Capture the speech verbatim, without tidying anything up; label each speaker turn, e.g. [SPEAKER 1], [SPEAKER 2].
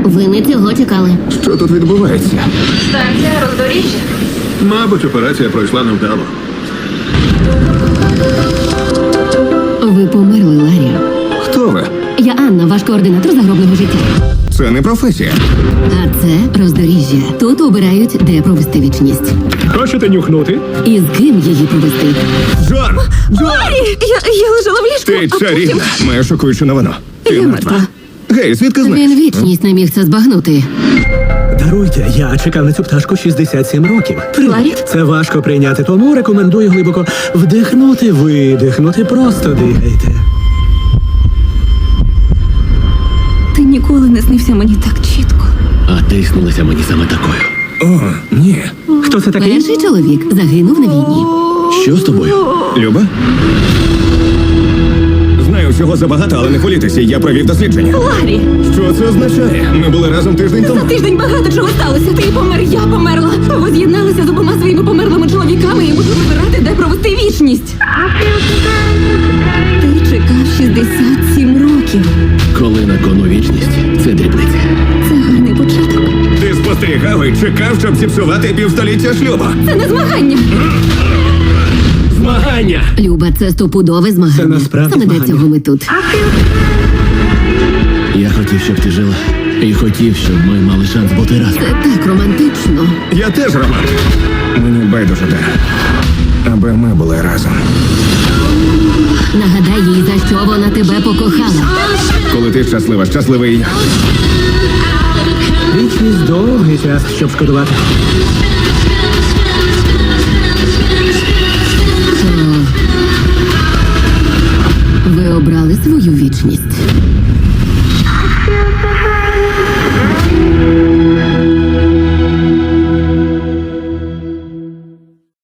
[SPEAKER 1] Ви не цього чекали.
[SPEAKER 2] Що тут відбувається?
[SPEAKER 3] Станція роздоріжжя.
[SPEAKER 2] Мабуть, операція пройшла невдало.
[SPEAKER 1] Ви померли, Ларі.
[SPEAKER 2] Хто ви?
[SPEAKER 1] Я Анна, ваш координатор загробного життя.
[SPEAKER 2] Це не професія.
[SPEAKER 1] А це роздоріжжя. Тут обирають, де провести вічність.
[SPEAKER 4] Хочете нюхнути?
[SPEAKER 1] І з ким її провести.
[SPEAKER 2] Джон! Джон!
[SPEAKER 1] Я, я лежала в ліжку.
[SPEAKER 2] Ти чарівна. Маю шокуючу новину. Ти
[SPEAKER 1] Я
[SPEAKER 2] мертва.
[SPEAKER 1] мертва.
[SPEAKER 2] Гей, звідки знаєш?
[SPEAKER 1] Він вічність не міг це збагнути.
[SPEAKER 4] Даруйте, я чекав на цю пташку шістдесят сім років.
[SPEAKER 1] Ларі?
[SPEAKER 4] Це важко прийняти, тому рекомендую глибоко вдихнути, видихнути, просто дихайте.
[SPEAKER 5] Ти ніколи не снився мені так чітко.
[SPEAKER 6] А ти снилася мені саме такою.
[SPEAKER 2] О, ні.
[SPEAKER 4] Хто це такий?
[SPEAKER 1] Перший чоловік загинув на війні.
[SPEAKER 6] Що з тобою?
[SPEAKER 2] Люба? Знаю всього забагато, але не хвилюйтеся, я провів дослідження.
[SPEAKER 5] Ларі!
[SPEAKER 2] Що це означає? Ми були разом тиждень тому.
[SPEAKER 5] За тиждень багато чого сталося. Ти помер, я померла. Ви з'єдналися з обома своїми померлими чоловіками і мусили вибирати, де провести вічність. Ти чекав шістдесят сім років.
[SPEAKER 6] Коли на кону вічність, це дрібниця.
[SPEAKER 5] Це гарний початок.
[SPEAKER 2] Ти спостерігав і чекав, щоб зіпсувати півстоліття шлюбу.
[SPEAKER 5] Це не змагання.
[SPEAKER 4] Змагання!
[SPEAKER 1] Люба, це стопудове змагання.
[SPEAKER 4] Це насправді
[SPEAKER 1] Саме для
[SPEAKER 4] змагання.
[SPEAKER 1] цього ми тут.
[SPEAKER 6] Я хотів, щоб ти жила. І хотів, щоб ми мали шанс бути разом.
[SPEAKER 1] Це так романтично.
[SPEAKER 2] Я теж роман. Мені байдуже де. Аби ми були разом.
[SPEAKER 1] Нагадай їй, за що вона тебе покохала.
[SPEAKER 2] Коли ти щаслива, щасливий і я.
[SPEAKER 4] Вічність довгий час, щоб шкодувати.
[SPEAKER 1] Ви обрали свою вічність.